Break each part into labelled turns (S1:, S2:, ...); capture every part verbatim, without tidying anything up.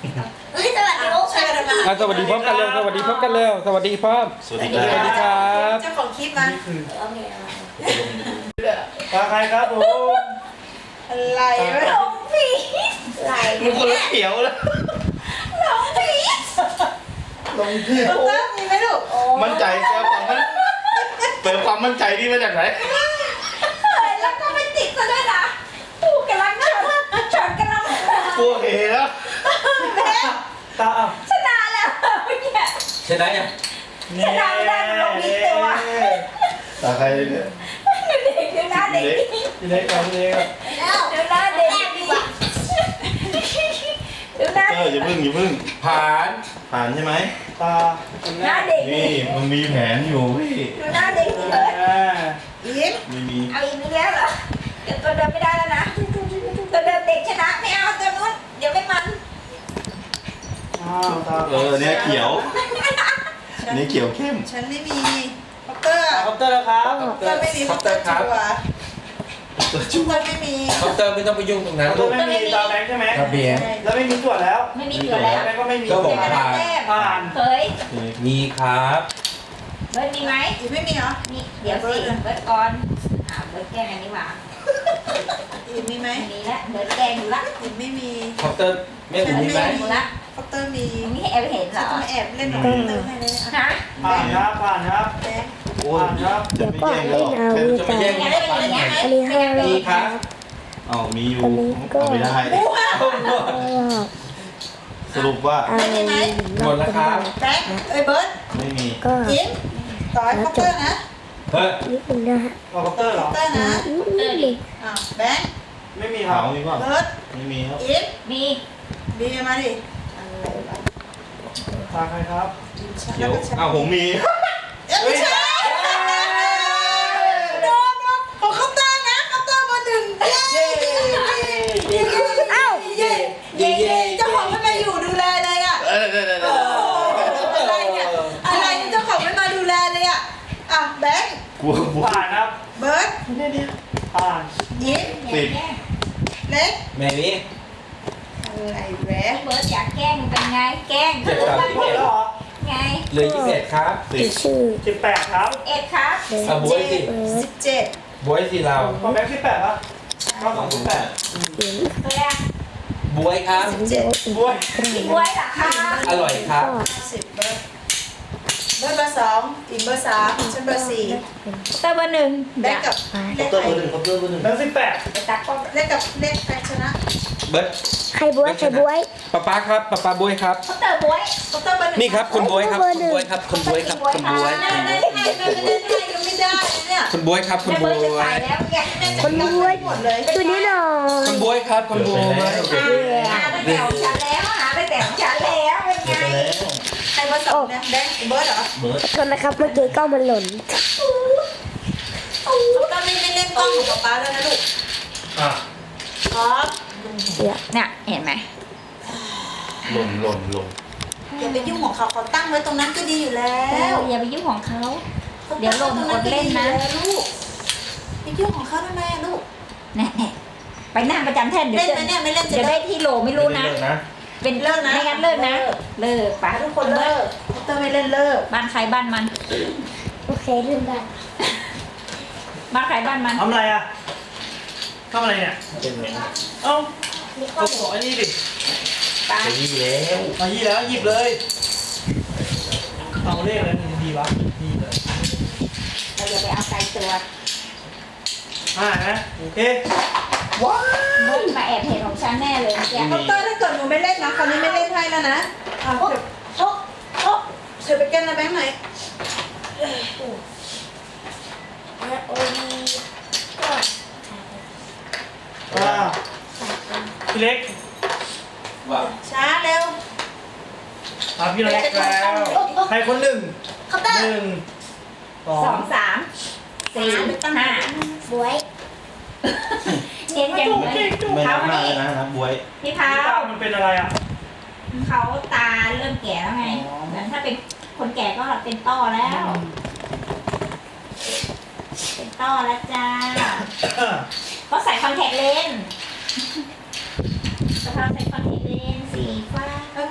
S1: เอ้ยสวัสดีลูกช่วยกันมา
S2: อ่ะสวัสดีพร้อมกันเร็วสวัสดีพร้อมกันเร็วสวัสดีพร้อม
S3: สวัสดี
S2: สวัสดีครับ
S4: เจ้าของคลิปมา
S1: โอเค
S5: ตาใครครับผม
S4: อะไรวะ
S1: หลงผีไหล
S3: มันคนละเขียวแล้ว
S1: หลงผี
S5: ลงที่
S4: เติ้ลมีไหมลูก
S3: มั่นใจเปิดความมั่นเปิดความมั่นใจนี่มาจากไหน
S1: เฮ้ยแล้วก็ไม่ติดซะด้วยนะกูกำลังชนชนกำลัง
S3: กลัวเหแล้ว
S5: ตาอ่ะ
S1: ชนะแล้วเมื่อกี้
S2: ชนะยัง
S5: นี่
S3: ตาใครเนี่ย
S1: เด็กดูหน้าเด็ก
S5: พี่เล็กกับพี่เล็กครับ
S1: แล้วดูหน้าเด็กดีกว่าดูหน้า
S3: เอออย่าพึ่งอย่าพึ่ง
S2: ผ่าน
S3: ผ่านใช่ไหม
S5: ตา
S1: หน้าเด็ก
S3: นี่มันมีแผนอยู่พี่
S1: ดูหน้าเด็กเลย
S5: อ่า
S4: ยิ้ม
S3: ไม่มี
S1: เอาอีกนิดแล้วเหรอเดี๋ยวตัวเดิมไม่ได้แล้วนะตัวเดิมเด็กชนะไม่เอาตัวนู้นเดี๋ยวไม่มัน
S5: อ้าวตา
S3: เออเนี่ยเขียวอันนี้เขียวเข้ม
S4: ฉันไม่มีคอปเตอร์
S5: คอปเตอร์แล้วครับ
S4: คอปเตอร์ไม่มีคอปเตอร์ชัวร์
S3: ตัว
S4: ค
S3: จุ๊
S4: อบ ปเตอร์ไม่มี
S2: คอปเตอร์ไม่ต้องไปยุ่งตรงนั้น
S5: คอปเต
S2: ลู
S5: อร์
S2: ก
S5: ไม่มีตาแบงค์ใช่ไหม
S2: ครับเบียร์
S5: แล้วไม่มีตรวจแล้ว
S1: ไม่มีตัวแล้ว
S5: แบงค์ก็ไม่มี
S2: ก็บอก
S1: กระดาษแต้ม
S5: ผ่าน
S1: เฮ้ย
S2: มีครับ
S1: เบิร์ดมีไหม
S4: อีกไม่มีเหรอ
S1: นี่เดี๋ยวสิเบิร์ดก่อนอ่าเบิร์ดแกล้งอันนี้หว่า
S4: อีกมีไหม
S1: อันนี้ละเบิร์ดแกล้งอยู่ละ
S4: อีกไม่มี
S2: คอปเตอร์ไม่ถึงมีไหม
S1: อยู่ละ
S4: คอปเตอร์มี
S1: ตรงนี้แอบเห็นเหร
S4: ฉัน
S1: อ
S4: ต้องแอบเล่นกับคอปเตอร์ให้เลยอ่ะ
S1: ฮะ
S5: ผ่านครับผ่านครับ
S4: แบงค์
S3: โอ้ยจะไม่แย่งแล้วหรอกแค่
S2: จะไม่แย่ง
S1: ยังไม่เป็นอย่างเงี้ย
S6: อันนี้ให้เรา
S2: มีครับ
S3: อ๋อมีอยู่
S6: อันนี้ก็
S3: เอาไม่ได้ สรุปว่า
S6: เอา
S2: หมดแล้วครับ
S4: แบงค์เอ้ยเบิร์ด
S3: ไม่มี
S6: ก็
S4: ยิ้มต่อยคอปเตอร์นะ
S2: เฮ้ย
S6: นิดนึงนะฮะ
S5: เอาคอปเตอร์เหร
S4: ค
S5: อ
S4: อปเตอร์นะ
S6: นิดนึง
S4: อ้าวแบงค์
S5: ไม่มีครั
S3: ขา
S5: บ
S3: วมีเปล่า
S4: เบิร์ด
S3: ไม่มีครับ
S4: ยิ้ม
S1: มี
S4: บีมาดิ
S5: ตาใครครับ
S4: ฉัน
S3: เขี
S4: แล้
S3: ยว ว
S4: ก็ฉัน
S3: อ้าวผมมี
S4: เอ้ยไม่ใช่โดนว่ะของคอปเตอร์นะคอปเตอร์มาหนึ่งเย้เย้เอ้าเย้เย้เย้เจ้าของไม่มาอยู่ดูแลเลยอ่ะ
S3: เออเออเออเอ
S4: โอ้
S3: อ
S4: โหอะไรเนี่ยอะไรเนี่ยเจ้าของไม่มาดูแลเลยอ่ะอ่ะแบงค์
S3: กลัวกลัว
S5: ผ่านครับ
S4: เบิร์ด
S5: ผ่าน
S4: ยิ้ม
S3: สิบ
S4: เล็ก
S2: แม่นี้
S4: อะไรแหวะ
S1: เบิร์ดอยากแกล้งเป็นไงแกล้ง
S2: เจ็ดสาม
S5: หมดแล้วเหรอ
S1: ไง
S2: เหลือยี่สิบเอ็ดครับ
S3: สิบ
S6: ชื่อ
S5: สิบแปดครับ
S1: เอ็ดครับ
S2: อ่ะบวยสิ
S6: เบิร์
S4: สิ
S6: ด
S4: บเจ็ด
S2: บวยสิเรา
S5: พอแบงค์สิบแปดปะเข้าสองสิบแปด
S6: เสียง
S1: เฮ้ยอะ
S2: บวยครับ
S6: เยอะอีก
S5: บ้วย
S1: กินบวยเหรอคะ
S2: อร่อยครับ
S6: ก็
S4: สิบเบิร์ดเบิร์ดเบอร์สองอีกเบอร์สามฉันเบอร์สี่
S1: เตอร์เบอร์หนึ่ง
S4: แบงค์กับ
S3: ค
S4: เล็
S3: อป
S4: ก
S3: เตอร์
S4: ใคร
S3: เบอร์หนึ่งคอปเตอร์เบอร์หนึ่ง
S5: แบงค์สิบแปด
S1: ไปตัดกล้อง
S4: เล็กกับเล็กใครชนะ
S2: เบิร์ด
S6: ใครบวยใครบวย
S2: ป๊าป๊าครับป๊าป๊าบวยครับ
S1: เขาเตอร์บวย
S4: คอปเตอร์เบอร์หนึ่ง
S2: นี่ครับคุณบวยครับคุณบวยครับคุณบวยครับคุณบวย
S4: ได้ได้ได้ได้ได้ได้ยังไม่ได้เนี่ย
S2: คุณบวยครับคุณ
S1: แม่
S2: บ
S1: เบิ
S2: ว
S1: ร์ดจะ
S2: ย
S1: ใส่แล้วไง
S6: คนบวย
S4: หมดเลย
S6: ตัวนี้หน่อย
S2: คุณบวยครับคุณบวย
S1: หาตั้งแต่ของฉันแล้วหาตั้งแต่ของฉันแล้วเป็นไง
S4: ใครเบอร์สองเนี่ยแบงค์เบิร์ดเหรอ
S3: เบิร์ด
S6: คนนะครับเมื่อกี้กล้องมันหล่น
S4: คอปเตอร์ไม่ไม่เล่นกล้องของป๊าป๊าแล้วนะลูก
S5: อ่ะ
S4: ครับ
S6: เดี๋ยว
S1: เนี่ยเห็นไหม
S3: หล่นหล่นหล่น
S4: อย่าไปยุ่งของเขาเขาตั้งไว้ตรงนั้นก็ดีอยู่แล้
S1: แล้ว วอย่าไปยุ่งของเขา เดี๋ยวหล่นกดเล่นนะ
S4: ลูกไปยุ่งของเขาทำไมอะลูก
S1: แน่ๆไปนั่งประจำแท่นเดี๋ยว
S4: เล่น
S1: จะ
S4: ไหมเนี่ยไม่เล่นจะ
S1: จะ
S4: เลิ
S1: ได้
S4: ก
S1: ที่โหลไม่รู้นะ
S3: เลิกนะ
S1: เป็น
S4: เลิกนะ
S1: ไม่งั้นเลิกนะ เลิกป่ะ
S4: ทุกคนเลิกคอปเตอร์ไม่เล่นเลิก
S1: บ้านใครบ้านมัน
S6: โอเคลืมได้
S1: บ้านใครบ้านมัน
S5: ทำอะไรอ่ะทำอะไรเนี่ย
S3: เป็นไง
S5: เอ้าก็ขอไอ้นี่ดิ
S1: ไป
S3: จะยี่แล้ว
S5: มายี่แล้วหยิบเลยเอาเลขอะไรดีวะดีเลย
S1: เราอย่าไปเอาไกลตัว
S5: ห้านะโอเค
S4: ว้าว
S1: มุกมาแอบเห็นของฉันแน่เลยเมื่อกี้
S4: คอปเตอร์ถ้าเกิดหนูไม่เล่นนะคราวนี้ไม่เล่นให้แล้วนะอ่ะเดี๋ยวโอ๊ะโอ๊ะเดี๋ยวไปแกนนะแบงค์ไหนอย
S1: โอ้ย
S5: อ่าพี่เล็ก
S2: ว่า
S4: ช้าเร็ว
S5: อ่าพี่เล็กแล้วใครคนหนึ่ง
S1: คอปเตอร์
S5: หนึ่งสอ
S1: สอง งสามสี่ห้า
S6: บวย
S1: เน้นอย่างนี้
S3: ไม่
S1: เขา
S3: นับหน้า
S1: นี่
S3: เลยนะนับบวย
S1: พี่
S5: พี่
S1: เท้า
S5: ตามันเป็นอะไรอ่ะ
S1: เขาตาเริ่มแก่แล้วไง
S5: อ๋อ
S1: เหมือนถ้าเป็นคนแก่ก็เป็นต้อแล้ว เป็นต้อแล้วจ้าก็ใส่คอนแทคเลนส์สภาพใส่คอนแทคเลนส์สีฟ้า
S4: แล้ว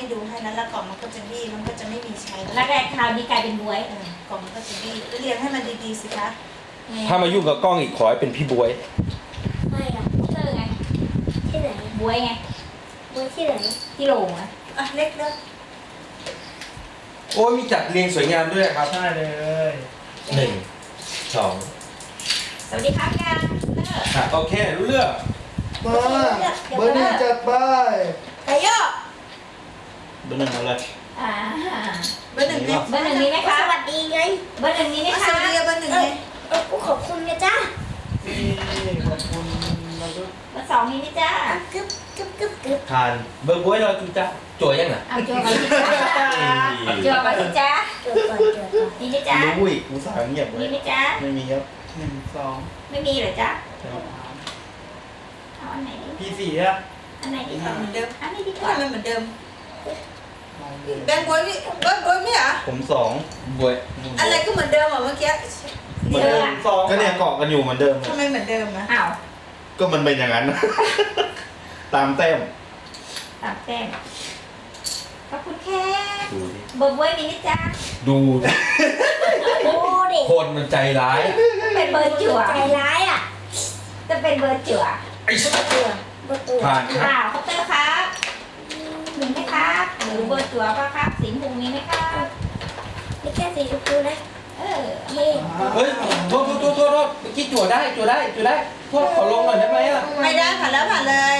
S4: ไม่ดูให้แล้วแล้วกล่องมันก็จะบี้มันก็จะไม่มีใช้
S1: แล้วแต่คราวนี้กลายเป็นบวย
S4: เออกล่องมันก็จะบี้เรียงให้มันดีๆสิคะ
S2: ถ้ามายุ่งกับกล้องอีกขอให้เป็นพี่บวย
S6: ไม่หรอก
S1: เตอร์ไง
S6: ที่ไหน
S1: บวยไง
S6: บนที่ไหน
S1: ที่โหลงอะ
S4: อ่ะเล็กเด้อ
S2: โอ้ยมีจัดเรียงสวยงามด้วยครับ
S5: ใช่เลย
S2: หนึ่งสอง
S1: สวัสดีครับกันเตอร์
S2: อ่ะโอเครู้เรื่อง
S5: มาเบอร์หนึ่งจัดไป
S4: ไก่ย่อ
S3: เบอร์หนึ่งเอาเลย
S1: อ่า
S4: เบอร์หนึ่งเนี่ย
S1: เบอร์หนึ่งมีไหม
S6: ส
S1: คะ
S6: วัสดีไง
S1: เบอร์หนึ่งมีไหม
S4: ส
S1: คะ
S4: วัสดีเบอร์หนึ่งไง
S6: เออกูขอบคุณนะจ้า
S5: นี่ขอบคุณเราก็
S1: เบอร์สองมีไหมจ้าก
S6: ึ๊บกึ๊บกึ๊บกึ๊บ
S3: ทาน
S2: เบอร์บวยเราจูจ้าจั่วยังไง
S1: เอาจัวมาสิจ้าจัวมาสิจ้า
S6: เจอก่อนเจอก่อน
S1: มีไหมจ้า
S3: รู้อีกกูสายเงียบเล
S1: มี
S3: ย
S1: ไหมจ้า
S3: ไม่มีครับ
S5: หนึ่งสอง
S1: ไม่มีเหรอจ้า
S5: สาม
S1: เอาอันไหนดี
S5: พี่สี่อะ
S1: อันไหนดีกว่า
S4: เหมือนเดิม
S1: อันนี้ดีก
S4: ทำ
S1: ว่า
S4: ไมเหมือนเดิม
S5: มองเลย
S4: แบงค์บวยนี่เบอร์บวยไม่เหรอ
S3: ผมสอง
S2: บวย
S4: อะไรก็เหมือนเดิมอ่ะเมื่อกี้
S3: เหมือนเดิม
S5: สอง
S3: ก็เนี่ยเกาะกันอยู่เหมือนเดิม
S4: ทำไมเหมือนเดิมอ่ะ
S1: อ้าว
S3: ก็มันเป็นอย่างนั้น ตามแต้ม
S1: ตามแต้มขอบคุณแค่
S2: ดูดิ
S1: เบอร์บวยมีไหมจ้า
S2: ดูดิ
S6: โอ้ดิ
S2: คนมันใจร้าย
S1: เป็นเบอร์จั่ว
S6: ใจร้ายอ่ะ
S1: จะเป็นเบอร์จั่ว
S2: ไอ้
S6: ตัวประตู
S2: ผ่านครับ
S1: อ้าวคอปเตอร์ครับมีไหมครับหรือเบอร์จั่วป่ะครับสีชมพูมีไหมครับ
S6: นี่แค่สีชมพูนะ
S1: เออ
S6: เฮ้
S2: เฮ้ยโทษโทษโทษโทษโทษเมื่อกี้จั่วได้จั่วได้จั่วได้โทษขอลงหน่อยได้ไหมอ่ะ
S4: ไม่ได้ผ่านแล้วผ่านเลย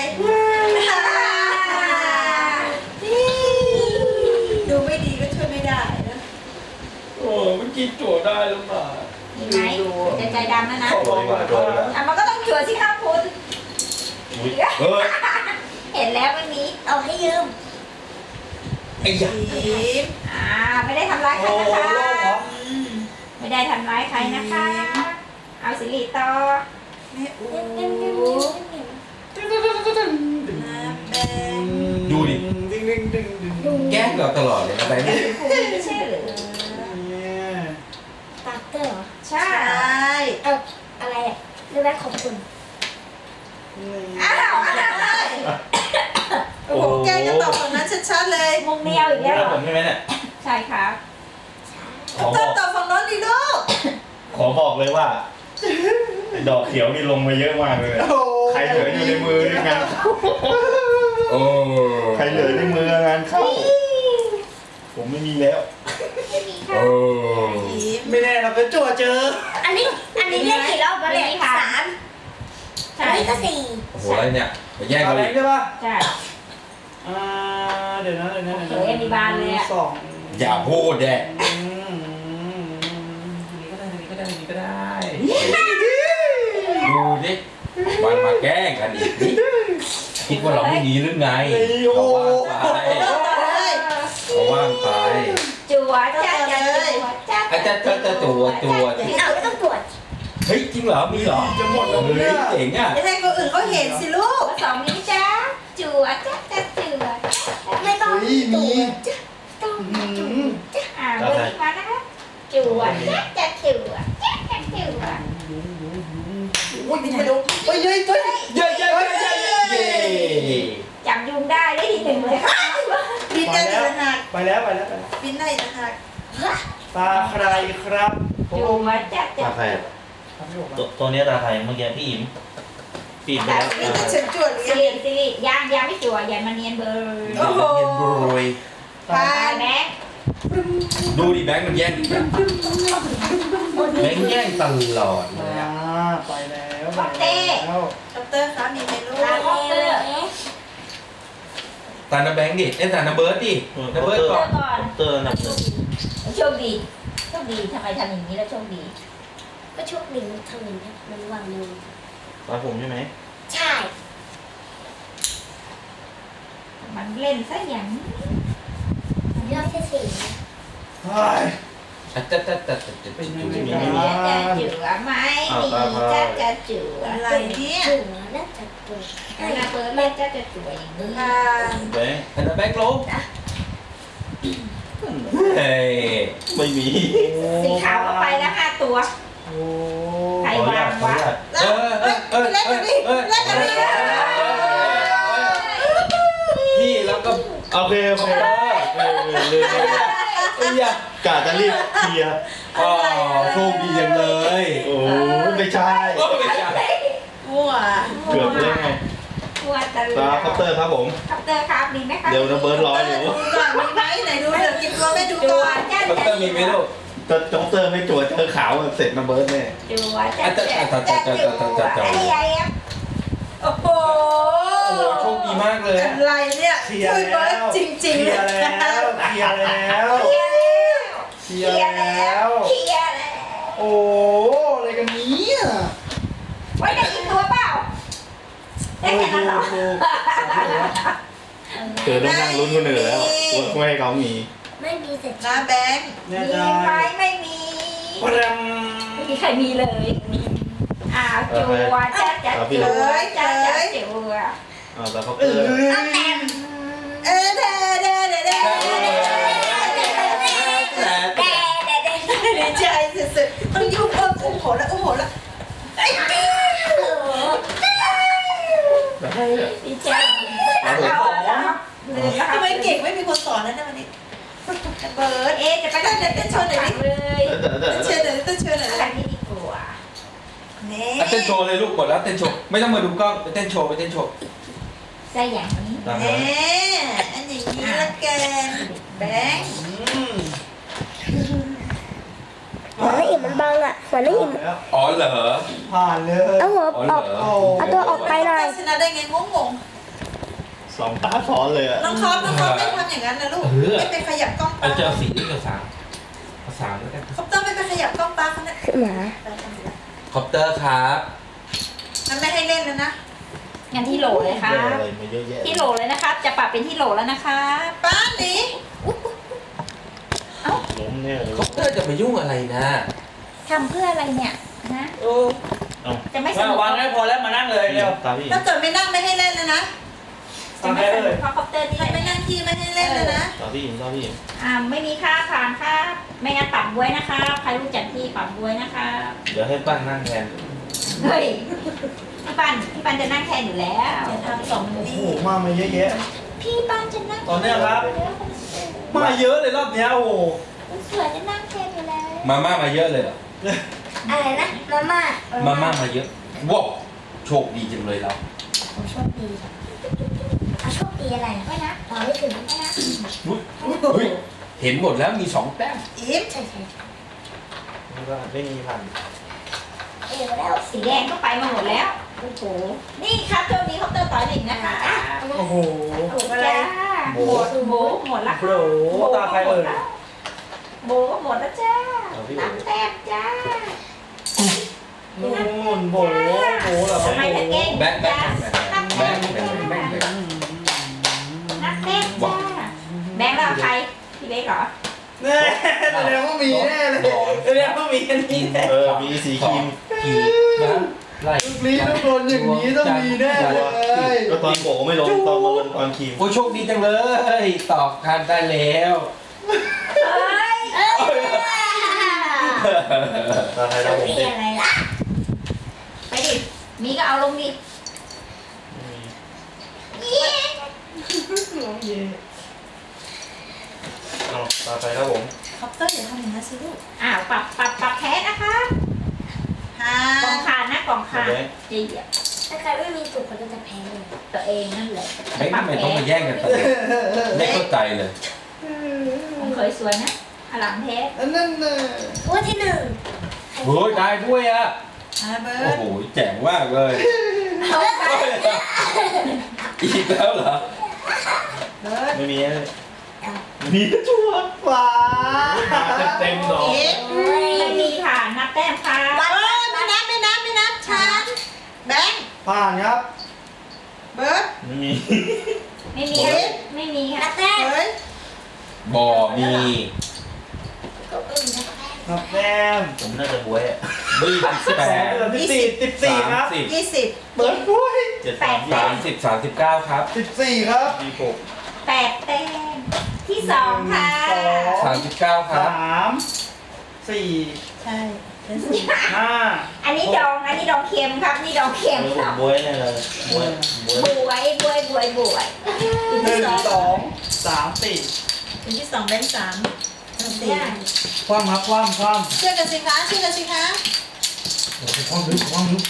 S4: ดูไม่ดีก็ช่วยไม่ได้นะ
S2: โอ้เมื่อกี้จั่วได้หรือเปล่า
S1: มีไหมจะใจดำแล้วนะ
S3: โดนดีกว่าโดนดีกว่า
S1: อ่ะมันก็ต้องจั่วสิครับคุณ
S3: อุ๊ย
S2: เฮ้ย
S1: เห็นแล้วไม่มี
S6: เอาให้ยืม
S2: ไอ้ยา
S4: ยิ้ม
S1: อ่าไม่ได้ทำร้ายใคร
S5: โอ้
S1: นะ
S5: โห
S1: คะ
S5: โล่งเหรอ
S4: อืม
S1: ไม่ได้ทำร้ายใครนะคะ เอาสิริต่อ
S4: แม่อู
S6: เงี้ยเงี้ยเงี้ยเงี้ย
S4: น้ำแดง
S2: ดูดิ
S5: ดึงดึงดึงดึงดึง
S2: แกล้งเราตลอดเลยนะแบงค์
S1: คุณไม่ใช่หรือ
S5: เนี่ย
S6: ตากเตอร์เหรอ
S1: ใช่
S4: ใช่
S6: เอาอะไรอ่ะเรื่องแรกขอบคุณ
S1: อ้าวอ้าว
S4: โอ้โหแกก็ตอบฝั่งนั้นชัดๆเลย
S1: มุกเดียวอีก
S3: นี่
S1: แล้ว
S3: แล้วผมใช่ไหมเนี่ย
S1: ใช่ครับ
S3: ขอ
S4: ต
S3: บ
S4: อ
S3: อบ ก
S4: ตอบฝั่งโน้นดิลูก
S3: ขอบอกเลยว่าไอ้ดอกเขียวนี่ลงมาเยอะมากเลย
S5: โอ้โห
S3: ใครเหลืออยู่ในมือนี่งาน
S2: โอ้
S3: ใครเหลือในมืองานเข้า ผมไม่มีแล้ว
S2: โอ้
S4: ยิ้ม
S5: ไม่แน่เราก็จั่วเจอ
S6: อันนี้อันนี้เล่นกี่รอบแล้วเนี่ยสาม
S1: ใช่
S6: อันนี้ก็สี่
S2: โอ้โหอะไรเนี่ยมาแย่ง
S5: เอา
S2: กัน
S5: แร
S2: อี
S5: ง
S2: ก
S5: ใช่ป่ะ
S1: ใช่
S5: อ่าเดี๋ยวนะเดี๋ยวนะเดี๋ยวนะ
S1: เฮ้ยอันนี้บานเลยอะ
S5: สอง
S2: อย่าพูดแดะ
S5: อืมนี่ก็ได้นี่ก็ได้นี่ก็ได้
S2: ดูดิมันมาแกล้งกันอีกนี่คิดว่าเราไม่หนีหรือไงเขาว่างไป
S4: เลย
S2: เขาว่างไป
S1: จั่วจ้าจ้าจั่วจ้า
S2: อาจจะจะจะตัวตัว
S6: เอาไม่ต้องตรวจ
S2: เฮ้ยจริงเหรอมีเหรอ
S5: จะหมดแล้ว
S2: เฮ้ย
S5: เนี่ย
S2: เจ๋งอ่ะ
S4: จะให้คนอื่นเขาเห็นสิลูก
S1: สองนี้จ้าจั่วจ้าจ้าจั่ว
S6: ไม่ต้อง
S5: เฮ้ย
S6: ตร
S5: มี
S6: วจจ้ะต้อง
S5: อื
S6: ตรว
S5: ม
S6: จ
S1: อ่าเบอร์นี้มานะคะจั่วจ้าจ้าจั่วจ้าจ้าจั่ว
S5: โอ้ยไม่รู้เฮ้ยเฮ้ยเฮ้ย
S2: เย้เย้เย้เย้เย้
S1: จับยุงได้ได้ทีหนึ่งเลยค่ะ
S4: บินได้อีกต่างหาก
S5: ไปแล้วไปแล้วไปแล้ว
S4: บินได้อีกต่างหาก
S5: ตาใครครับผม
S1: จั่วจ้าจ้า
S3: ตาใคร
S5: ทำไม่ออก
S3: ตัวตัวนี้ตาใครเมื่อกี้พี่อิ๋มพี่อิ๋มไปแล้ว
S4: นี่จะเฉินจวดหรือ
S1: สิ
S4: ยัง
S1: ริสิริยังยังไม่จั่วอย่ามาเนียนเบอร์
S4: โอ้โห
S2: เย็นโรย
S4: ปา
S1: ตาย
S4: น
S1: แม็ก
S2: ดูดิแบงค์มันแย่งแบงค์แย่งตลอดเลย
S5: อ่า
S2: อะ
S5: ไปแล้วไปแล้ว
S4: ดอกเตอร์คะมีไหมลูก
S6: ตาแมวเอ๊ะ
S2: ตาหน้าแบงค์ดิเอ้ยตาหน้าเบิร์ดดิหน้าเบิร์ด
S1: เจ
S2: ก่อ
S1: อน ก่อน
S3: เตอร์หนักหนึ่ง
S1: โชคดีโชคดีทำไมทำอย่างนี้แล้วโชคดี
S6: ก็โชคดีมันทำอย่างนี้มันวางมือ
S3: ตาผมใช่ไหม
S6: ใช่
S1: มันเล่นซะอย่างนี้
S6: รอบที่สี่
S5: เฮ้ย
S2: อ่ะจะจะจะจะจะ
S5: เป็น
S2: จะ
S5: ยังไง
S1: จะจะจือไหมมีจะจะจือ
S4: อะไรเนี่ย
S6: เสือน่าจะตัว
S1: เวลาเปิดเล่นจะจะจืออย่างนี้
S4: ปาน
S3: แบงค์
S2: ตาหน้าแบงค์ลงเฮ้ย
S3: ไม่มี
S1: สีขาวก็ไปแล้วห้าตัว
S5: โอ้
S1: ใคร
S3: ขออนุญาตขออนุญาต
S4: แล้วเฮ้ยไปเล่นกันดิเล่นกันดิ
S2: พี่แล้วก็
S3: โอเคโอเคเออเออเลย
S2: เอ้ยอะ
S3: กะจะรีบเคลียร์
S2: อ๋อโชคดีจังเลย
S3: โอ้ไม่ใช่
S2: โอ้ไม่ใช่
S4: มั่ว
S3: เกือบเลยไง
S1: กลัวตะลึง
S3: ตาคอปเตอร์ครับผม
S1: คอปเตอร์ครับดีไหมครับ
S3: เดี๋ยวนะเบิร์ดร้อยอยู่
S4: ดูก่อนมีไหมไหนดูเดี๋ยวกินตัวไม่ดู
S1: จั
S4: ก่
S1: ว
S4: อน
S1: จ้า
S2: คอปเตอร์มีไหมลูก
S3: ถ้าคอปเตอร์ไม่จั่วเจอขาวเสร็จนะเบิร์ดแน่
S1: จัวจ้า
S2: อ่ะแต่แต่แต่แต่แต่แต่แต่แต่
S1: ไอ้ไอ้
S4: โอ้โห
S2: โอ้โหโชคดีมากเลยอะ
S4: อะไรเนี่ย
S5: เคลียร์
S4: ช่วยเบิ
S5: แล้
S4: ร์ด
S5: ว
S4: จริง
S5: เค
S4: ๆ
S5: ลียร์แล้วเคลียร์แล้ว
S1: เคลียร์แล้ว
S5: เคลียร์แล้ว
S1: เคลียร์แล้ว
S5: โอ้อะไรกันเนี้อ่ะ
S1: ไว้ได้อีกตัวเปล่าได้แค่นั้นเหรอ
S3: เธอต้องนั่งลุ้นคนอื่นแล้วว่าให้เขามี
S6: ไม่มีเสร็จ
S4: นะแบงค์
S5: แน่
S1: มี
S5: ใจ
S1: ไหมไม่มี
S5: ปรัง
S1: ไม่มีใครมีเลยอ้าวจัวจ้าจ้าจัวจ้าจ้าจัว
S3: อ่าแต่คอป
S5: เอ
S3: เตอร์
S5: อ
S1: แหม่ม
S4: เออเด้เด้เด้เด้
S2: แต่
S1: แต่แต่แต่
S4: ดีใจสุดๆต้องยุ่งเพิ่มโอ้โหแล้วโอ้โหแล้ว
S1: ดีใจเอาแล้วลืมแล้ว
S4: ทำไมเก่งไม่มีคนสอนแล้วเนี่ยวันนี้เบิร์ด
S1: เอ๊ะจะไปเต้นเต้นโชว์หน่อยเลย
S3: เดี๋ยวเดี๋ยว
S4: เต้น
S3: เดี๋ยว
S4: เชิญหน่อยเต้นเชิญหน่อย
S1: อะไรนี่ดีกว่า
S4: นี่
S2: อ่ะเต้นโชว์เลยลูกกดแล้วเต้นโชว์ไม่ต้องมาดูกล้องไปเต้นโชว์ไปเต้นโชว์
S1: ใจอย่างนี้
S2: ตาม
S4: เน่
S2: นั้น
S4: อันอย่างนี้ละกันแบงค์
S5: อืม
S6: หัวน้าอิ่มมันบังอ่ะหัวน้าอิ่ม
S5: แล้ว
S2: อ๋อเหรอ
S5: ผ่านเลย
S6: เอาหัว
S2: อ๋อ
S6: อ
S2: เหร
S6: อ
S2: อก
S6: เอาตัวออกไปหน่อย
S4: ชนะได้ไงงงง
S3: สองตาซ้อนเลยอ่ะ
S4: น้องคอปน้องคอปไม่ทำอย่างนั้นนะลูกไม่ไปขยับกล้อง
S2: เอา
S4: ป้า
S2: เจ้าสีนี่กับสามเอาสามแล้วกัน
S4: คอปต้องไม่ไปขยับกล้องป้าเขาเนี่ย
S6: หมา
S2: คอปเตอร์ครับ
S4: มันไม่ให้เล่นแล้วนะ
S1: งั้นที่โหลเลยครั
S3: เยอะ
S1: บ
S3: อะไรมาเยอะแยะ
S1: ที่โหลเลยนะครับ จะปรับเป็นที่โหลแล้วนะครับ
S4: ป้าหนี
S3: ล้มเนี่ยเลย
S2: คอปเตอร์จะไปยุ่งอะไรนะ
S1: ทำเพื่ออะไรเนี่ยนะ
S5: โอ้
S1: จะไม่ส
S5: มา
S1: นุก
S5: วางได้พอแล้วมานั่งเลยเร็ว
S3: ตามพี่
S4: ถ้าเกิดไม่นั่งไม่ให้เล่นแล้วนะ
S1: จะไม่สนุกเพราะคอปเตอร์นี่
S4: ถ้า
S1: แห
S4: ไม่
S1: ละ
S4: นั่งที่ไม่ให้เล่นแล้วนะ
S3: ตามพี่ตามพี่
S1: อ่าไม่มีค่าผ่านครับไม่งั้นปรับบวยนะครับใครรู้จักที่ปรับบวยนะครับ
S3: เดี๋ยวให้ปั้นนั่งแทน
S1: เฮ้ยพี่ปันพี่ปันจะนั่งแทนอยู่แล้ว
S4: จะทำสอง
S5: โอ้
S4: ดี
S5: โหมามาเยอะแยะ
S1: พี่ปันจะนั่ง
S5: ต่อเนื่องครับ มาเยอะเลยรอบเนี้ยโอ้โห
S1: คนสวยจะนั่งแทนอยู่แล้ว
S2: มาม่ามาเยอะเลยเหรอ
S6: อะไรนะมาม่า
S2: มาม่ามาเยอะว้าวโชคดีจังเลยเรา
S6: ผมโชคดีเอาโชคดีอะไร
S1: ไม่นะ
S6: อ๋อไม่ถึง
S1: ไม่นะ
S2: อุ๊ยเฮ้ยเห็นหมดแล้วมีสองแต้ม
S4: อิ่ม
S6: ใช่ใช่
S3: ไม่มีพัน
S6: เอวแล้ว
S1: สีแดงก็ไปมาหมดแล้วโอ้โหนี่ครับช่วงนี้คอปเตอร์ต่อยหนึ่งนะคะ
S5: โอ้โห
S1: ถูกอะไรหมดโบหมดละ
S5: โอ้โหตาใครเอ่ย
S1: โบก็หมดแล้วจ้าน้ำแต้มจ้า
S5: นู่นโบโบเหรอ
S1: ทำไมถึงเก่ง
S2: แบงค์แบง
S1: จ้า
S2: ค์แบงค์แบงค์แบงค์แบงค์แบงค์
S1: น้ำแต้มจ้าแบงค์เราใครพี่เล็กเหรอ
S5: แน่แสดงว่ามีแน่เลยแสดงว่ามีอันนี้แน่
S3: เออมีสีครีม
S2: ขีดนะไล่
S5: ลูกนี้ต้องโดนอย่างนี้ต้องมีแน่เลย
S3: ก็ตอนโบก็ไม่ลงตอนมาลงตอนครีม
S2: โอ้ยโชคดีจังเลยตอบทันได้แล้ว
S1: เฮ้ย
S3: ตาไทยเราผม
S6: มี
S3: เด็ก
S6: อะไรล่ะ
S1: ไปดิมีก็เอาลงดิ
S3: เอาตาไทยครับผม
S4: คอปเตอร์อย่าทำอย่างนั้นสิลูก
S1: อ้าวปรับปรับปรับแพ้นะคะ
S4: ฮ่าก
S1: ล่องขาดนะกล่องขาดจีเดียว
S6: ถ้าใครไม่มีสูตรคนก็จะแพ้เลย
S1: ตัวเองนั่นแหละ
S2: ไม่ทำไมต้องมาแย่งกันตลอดไม่เข้าใจเลย
S1: ผมเคยสวยนะอลังเทส
S5: อันนั้นน่ะ
S6: ตัวที่หนึ่ง
S2: โอ้ยได้ด้วยอ่ะ
S4: อ่าเบิ
S2: โอ้
S4: ร์ด
S2: โหแจ๋งมากเลยอีกแล้วเหรอ
S4: เบิร์ด
S3: ไม่มีเลยมีชัวร์
S5: ว้า
S3: เต็มดอก
S4: อิ่ม
S1: ไม่มีค่ะนับแต้มค่ะ
S4: เอ้ยไม่นับไม่นับไม่นับฉันแบงค์
S5: ผ่านครับ
S4: เบิร์ด
S3: ไม่มี
S1: ไม่มีค่ะไม่มีค่ะ
S6: นับแต้ม
S4: เฮ้ย
S2: บอมี
S6: ก็เออนับแต้ม
S5: นับแต้ม
S3: ผมน่าจะบวยอ่ะ
S2: บีสิบแปด
S5: สิบสี่สิบสี่ค
S2: สา
S5: รั
S2: ม
S5: บ
S2: สิบ
S4: ยี่สิบ
S5: เปิดด้วย
S3: เจ็ดสาม
S2: สามสิบสามสิบเก้าครับ
S5: สิบสี่ครับ
S3: สี่หก
S1: แปดแต้มที่สองค่ะ
S2: สามสิบเก้าครับ
S5: สามสี่
S4: ใช่เป็นสี่
S5: ห้า
S1: อันนี้ดองอันนี้ดองเค็มครับนี่ดองเค็ม
S3: เออ
S1: ค
S3: ผ
S1: รั
S3: ม
S1: บบ
S3: วยแน่เลยบวยบวย
S1: บวยบวยบวยบวย
S5: หนึ่งสองสามสี่
S4: คนที่สองแบงค์สามสี่
S5: ความครับความความ
S4: ช่วยกันสิคะช่วยกันสิคะ
S5: ความลึกความลึก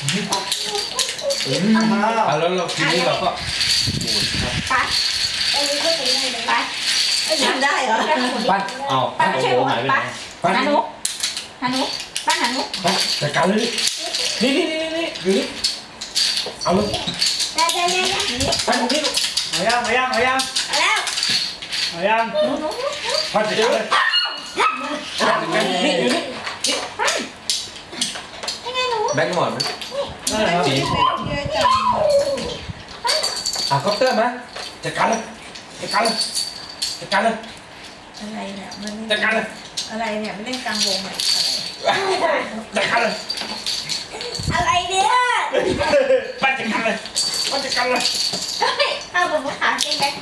S5: ห้า
S2: อ่ะแล้วเราทีนี้เราก็หมุนครับ
S6: ไปไปยืนก็ตีให้เลยไป
S4: ไอ้ยทำได้เหรอ
S2: ปั้นเอา
S1: ปั้นไม่ใช่หมด
S3: หายไปไหน
S1: ปั้น
S2: ปั้น
S1: หานุหานุปั้นหานุ
S2: ปั้นจัดการเลยนี่นี่นี่นี่อยู่นี่เอาเลย
S6: ได้ได้ได้ได้
S2: ปั้นตรงนี้ลูก
S5: เอายังเอายังเอายัง
S6: เอาแล้ว
S5: เอายัง
S2: ปั้นจัดการเลยปั้นจัดการนี่อยู่นี่
S6: ยังไงหนู
S2: แบงค์หมอน
S5: นั่นแหละครับ
S2: สี
S4: เยอะจัง
S2: อ่ะคอปเตอร์มาจัดการเลยจัดการเลยจัดการเลย
S4: อะไรเนี่ยมัน
S2: จัดการเลย
S4: อะไรเนี่ยไม่เล่นกลางวงเลยอะไร
S2: จัดการเลย
S6: อะไรเนี่ย
S2: ปั้นจัดการเลยปั้นจัดการเลย
S6: เฮ้ยเอาบนมือขาจริงไหม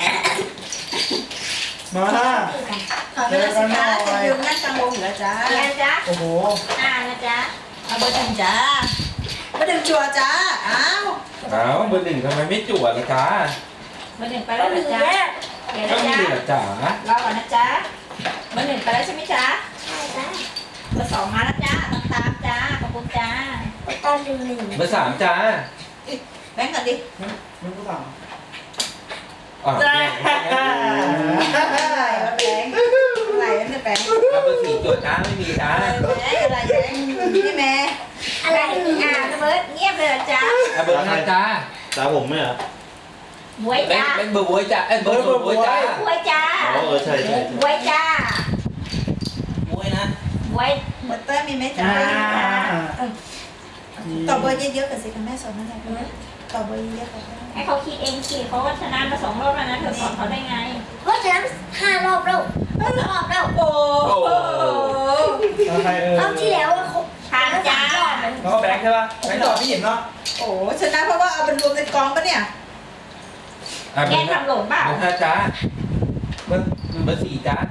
S5: มา
S4: ขอเวลาสิคะจะยืนนั่งกลางวงอยู่แล้วจ้า
S6: เรียนจ้ะ
S5: โอ้โห
S6: อ่านะจ๊ะ
S4: เอาเบอร์หนึ่งจ้าเบอร์หนึ่งชัวร์จ้าอ้าว
S2: อ้าวเบอร์หนึ่งทำไมไม่จั่วล่ะจ๊ะ
S1: เบอร์หนึ่งไป
S6: ไป
S1: แล้ว
S6: แล้
S1: นะ
S6: ว
S1: จ๊ะ
S6: เนี่ย
S1: เดี๋ยว
S2: ก็
S1: นะ
S2: มี
S1: จ๊ะ
S2: เหรอจ๋าร
S1: อก่อนนะจ๊ะเบอร์หนึ่งไปแล้วใช่ไหมจ๊ะ
S6: ใช่จ้ะ
S1: เบอร์สองมาแล้วจ้าต้องตามจ้าขอบคุณจ้า
S6: ไปตอนหนึ่งหนึ่ง
S2: เบอร์สามจ้า
S4: แบงค์ก่อนดิ
S5: ไม่รู้สั่ง
S2: อ่ะ
S4: อะไรวะแบงค์อะไรวะเนี่ยแบงค์
S2: แล้วเบอร์สี่จั่วจ้าไม่มีจ้า
S4: อะไรแบงค์อะไรแบงค์นี่แม่
S6: อะไร
S1: อ่า
S6: อ่ะ
S1: เบิร์ดเงียบเลยเหรอจ๊ะ
S2: อ่ะเบอร์ห้าจ้า
S3: ตาผมไหมเหรอ
S1: บวย
S2: แบง
S1: จ้า
S2: ค์แบงค์เบอร์บวยจ้าเอ้ยเบอร์เบอร์บวยจ้า
S1: บวยจ้า
S3: อ๋อเออใช่ใช่ใช่
S1: บวยจ้า
S2: บวยนะ
S1: บวย
S4: เบอร์เตอร์มีไหมจ้า
S5: อ่า
S4: ต่อเบอร์เยอะๆกันสิคะแม่สอนนั่นแหละต่อเบอร์เยอะๆกัน
S1: ให้เขาคิดเองสิเขาก็ชนะมาสองรอบแล้วนะเธอสอนเขาได้ไง
S6: เพราะฉะนั้นห้ารอบแล้วห้ารอบแล้ว
S4: โอ้โห
S5: แล้วใครเออ
S6: รอบที่แล้วอะครบ
S1: ทานจ้า
S5: แล้วก็แบงค์ใช่ป่ะแบงค์ต่อพี่เห็นเนาะ
S4: โอ้โหชนะเพราะว่าเอาเป็นรวมในกองปะเนี่ย
S2: อ่ะเบ
S1: แก
S2: อร์ห้า
S1: ทำหล่นเปล่า
S2: เบอร์ห้าจ้าเบอร์เบอร์สี่จ้า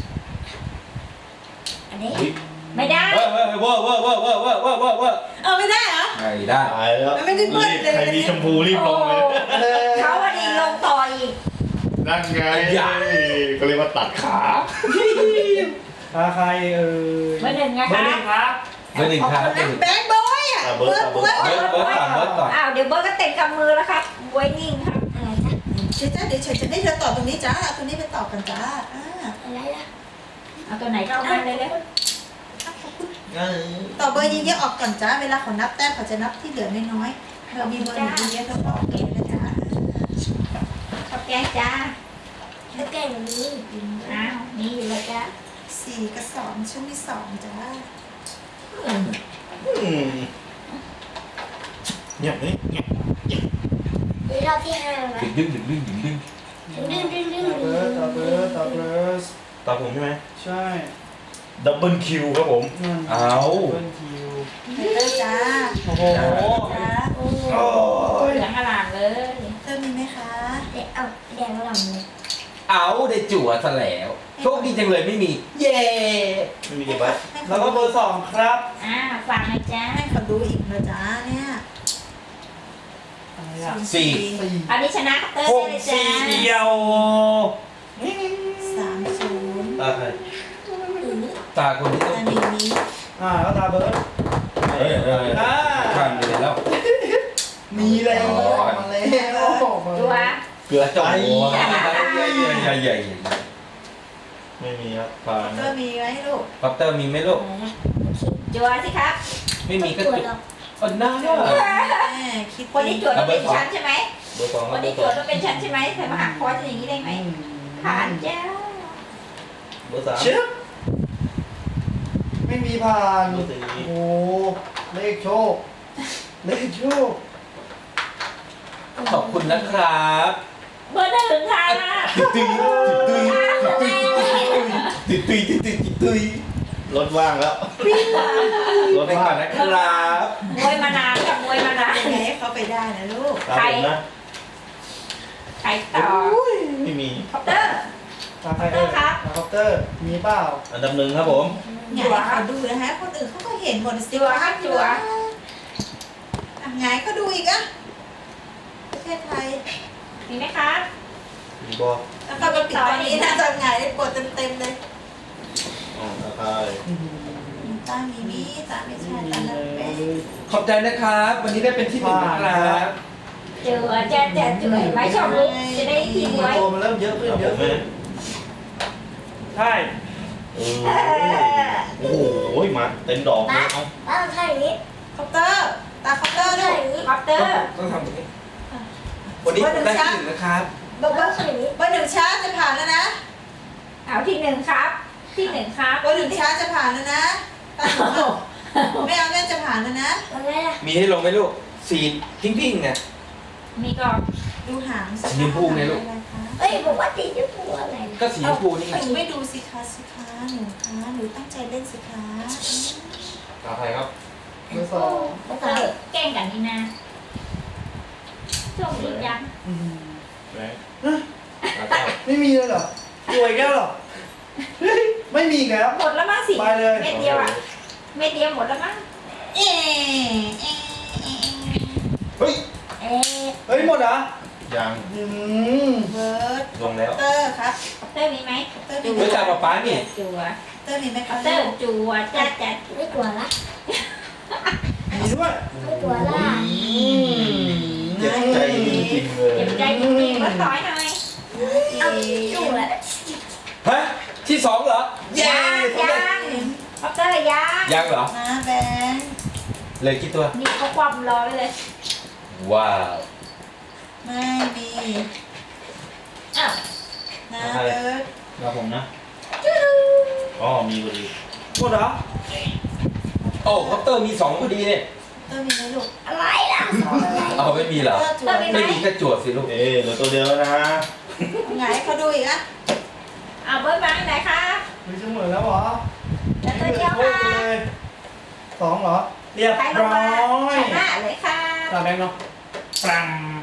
S6: อันนี้
S2: อุ๊ย
S1: ไม่ได้
S2: เว้ยเว้ยเว้ยเว้ยเว้ยเว้ยเว้ยเว้ยเว้ยเว้ย
S4: เอาไม่ได้เหรอ
S2: ไม่ได้
S3: ตายแล้ว
S4: มันไม่ได้เบิ้ล
S3: รีบ
S4: เลย
S3: ใครมีชมพูรีบลงเลย
S1: เขาวันนี้ลงต่ออีก
S3: นั่นไงก็เรียกว่าตัดขา
S5: ตาใครเออ
S1: เบอร์หนึ่งไง
S5: เบอ
S1: คะ
S5: ร์หนึ่งครับ
S2: เบอร์หนึ่งครับเบอร์หนึ่ง
S4: แบงค์บอยอ่ะเบิร์ดเบิร์ด
S2: เบิร์ดเบิร์ดก่อนเบิร์ดก่อน
S1: อ้าวเดี๋ยวเบิร์ดก็เต็มกำมือแล้วครับบวยนิ่งครับ
S6: อะไรจ้ะ
S4: เดี๋ยวจ้าเดี๋ยวฉันจะให้เธอตอบตรงนี้จ้าเอาตรงนี้ไปตอบกันจ้าอ่า
S6: อะไรล่ะ
S1: เอาตัวไหนก็เอาไปเลยเลย
S4: ตอบเบอร์เยอะๆออกก่อนจ้าเวลาเขานับแต้มเขาจะนับที่เหลือน้อยๆเธอมีเบอร์หนึ่งเยอะๆเธอบอกเองนะจ้า
S1: ขอบแกงจ้า
S6: แล้วแกงแบบนี้
S1: อ้าวนี่อยู่แล้วจ้า
S4: สี่กับสองฉันมีสองจ้า
S3: อืมเงียบนี่เงียบ
S6: นี่รอบที่ห้าแล้วนะ
S2: ดึงดึงดึงดึงดึง
S6: ดึงดึงดึง
S5: ต่อ
S6: ดึ
S5: เบิร์ดต่อเบิร์ดต่อเบิร์ด
S3: ตาผมใช่ไหม
S5: ใช่
S3: ดับเบิลคิวครับผม
S5: นั่น
S2: เอา
S5: เบิร์ดคิว
S4: เธอจ้า
S5: โอ้โห
S4: จ้า
S6: โอ้
S3: โอ้ย
S1: เหลืองอลามเลย
S4: เธอมีไหมคะ
S6: เด็กเอาแดงหล่ำเลย
S2: เอาได้จั่วซะแล้ว โชคดีจังเลยไม่มี เย้
S3: ไม่มีกี่ใบ
S5: แล้วก็เบอร์สองครับ
S1: อ่าฝากหนะจ้า
S4: ให้เขาดูอีกนะจ้าเนี่ย
S5: อะไรอ่ะ
S2: สี่
S5: สี่
S1: อันนี้ชนะเตอร์
S5: ห
S1: ได้
S5: ก
S1: เลยจ้า
S5: สี่เดียว
S4: สามศูนย์
S3: ตาใคร
S2: ตาคนที่ต้อง
S4: อันนี้นี้
S5: อ่าแล้วตาเบิร์ด
S2: เฮ้ยเฮ้ยข้ามเลยแล้ว
S5: มีแล้ว
S2: อ๋อ
S5: มาแล้ว
S1: ตัว
S2: เกลือจ่อยใหญ่ใหญ่ใหญ่
S3: ไม่มีครับผ่าน
S4: เธอมีไหมลูก
S2: คอปเตอร์มีไหมลูก
S1: จัวสิครับ
S2: ไม่มีก็
S6: ตัว
S2: จุด
S6: เรา
S2: อ๋อน่า
S4: แม่คิด
S1: คนที่จวดต้องเป็นชั้นใช่ไหม
S3: เบอร์สองค
S1: ครับ น
S3: เบอ
S1: ที่
S3: ร์
S1: จ
S3: ส
S1: ว
S3: อ
S1: ด
S3: ง
S1: ต้องเป็นชั้นใช่ไหมเธอมาหักคอจะอย่างนี้ได้ไหมผ่านจ้า
S3: เบอร์สาม
S5: เชื่อไม่มีผ่าน
S3: เบอร์สี่
S5: โอ้โหเลขโชค เลขโชค
S2: ขอบคุณนะครับ
S1: เบอร์หนึ่งค่ะ
S2: ตุยตุยตุยตุยตุยตุยตุยตุยตุย
S3: รถว่างแล้ว รถ
S2: ไป
S3: ว่าง
S2: ก่อนนะครับ
S1: มวยมานานกับมวยมานาน
S4: ยังไงให้เขาไปได้นะลูก
S3: ตามผมนะ
S1: ใครต่อ
S3: ไม่มี
S1: คอปเตอร์
S5: ตาใครเอ่ยตาคอปเตอร์ มีเปล่า
S3: อันดับหนึ่งครับผม
S4: ไงให้เขาดูนะฮะคนอื่นเขาก็เห็นหมดสิว่าจัวไงก็ดูอีกอะประเทศไทย
S1: มีไหมคะ
S3: มีบอล
S4: แล้วก็ไปปิดตอนนี้นะตอนไงได้ปวดเต็มๆเลย
S3: อ๋อตาย
S4: ตามีมีตาไม่ใช่ตานักเป็น
S5: ขอบใจนะครับ วันนี้ได้เป็นที่หนึ่งนะครับ
S1: เจอจะจะจุ๋ยไม่ชอบลุกจะได้ทีมไว้
S5: ตัวมันเริ่มเยอะขึ้น
S3: เอา
S5: เย
S3: ผ
S5: อะ
S3: มไหม
S5: ขึ้นใช่
S3: เออโอ้โหมาเต็มดอกเลยเอา
S6: ป้าทำท่าอย่างนี้
S4: คอปเตอร์ตาคอปเตอร์ด้
S6: ท่า
S4: วย
S6: อย่างนี้
S1: คอปเตอร์
S5: ต้องทำแบบนี้วันนี้ได้ที่หนึ่งนะครับ
S4: เบอร์
S6: ป้าท่าอย่างนี้
S4: เบอร์หนึ่งช้าจะผ่านแล้วนะ
S1: เอาที่หนึ่งครับ ที่หนึ่งครับ
S4: เบอร์หนึ่งช้าจะผ่านแล้วนะตาหนูไม่เอาแม่จะผ่านแล้วนะ
S6: ยังไงล่ะ
S5: มีให้ลงไหมลูกสีพิงพิงไง
S1: มีก่อน
S4: ดูหาง
S5: สีชมพูไงลูก
S6: เอ้ยบอกว่าตีจะพูดอะไรนะ
S5: ก็สีชมพูนี่ไง
S4: หนูไม่ดูสิคะสิคะหนูคะหนูตั้งใจเล่นสิคะ
S5: ตาใครครับ
S6: เบอร์สองเบอร์
S1: เอ
S6: สาม
S1: อแกล้งกันนี่นะช่วงนี้ยัง
S3: แบงค์
S5: ตาเก้า
S7: ไม่มีเลยเหรอรวยแก้วเหรอ ไม่มีอีกแล้ว
S1: หมดแล้วมั้งสิ
S7: ไปเลย
S1: เม็ดเดียวอ่ะเม็ดเดียวหมดแล้วมั้ง
S4: เอ๊ะเอ๊ะเอ๊ะ
S7: เฮ้ย
S6: เอ๊ะ
S7: เฮ้ยหมดเหรอ
S3: ยัง
S7: อืม
S4: เบิร์ด
S5: ลงแล้ว
S4: เตอร์ครับ
S1: เตอร์มีไหม
S4: เตอร์มี
S5: เฮ้ยตาป๊าป๊านี่
S1: จัว
S4: เตอร์มีไหมคะ
S1: เตอร์จัวจัดจัด
S6: ไม่กลัวละ
S7: มีด้วย
S6: ไม่กลัวละ
S3: เจ็บใจจริงๆเลย
S1: เจ็บใจจริงๆแล้วต่อยหน่อย
S6: เอาจุ่มละ
S5: ฮะที่สองเหรอ
S1: ยังยังคอปเตอร์ยัง
S5: ยังเหรอ
S4: นะแบงค์
S5: เหลยกี่ตัว
S1: นี่เขาความรอไว้เลย
S5: ว้าว
S4: ไม่มี
S1: อ้าว
S4: นะเบิร์ด
S3: มาผมนะอ๋อมีพอดี
S7: หมดเหรอ
S5: โอ้คอปเตอร์มีสองพอดีเนี่ย
S4: เตอร์มีไหมลูก
S6: อะไรล่ะ
S5: เอาไม่มีเหรอ
S4: เตอร์จุ๋ย
S5: ไม่มีก็จวดสิลูก
S3: เอ๊ะเหลือตัวเดียวแล้วนะ
S4: ไงให้เขาดูอีกอะ
S1: เอาเบิร์ดมาไหนคะ
S7: เฮ้ยจะหมดแล้วเหรอ
S1: แล้วตัวเดียว
S7: โอ้
S1: ค่ะ
S7: เลยสองเหรอ เรียบ
S1: ใครลง
S7: ร้อ
S1: มาย ชนะเลยค่ะ
S7: ตาแบงค์เนาะปรัง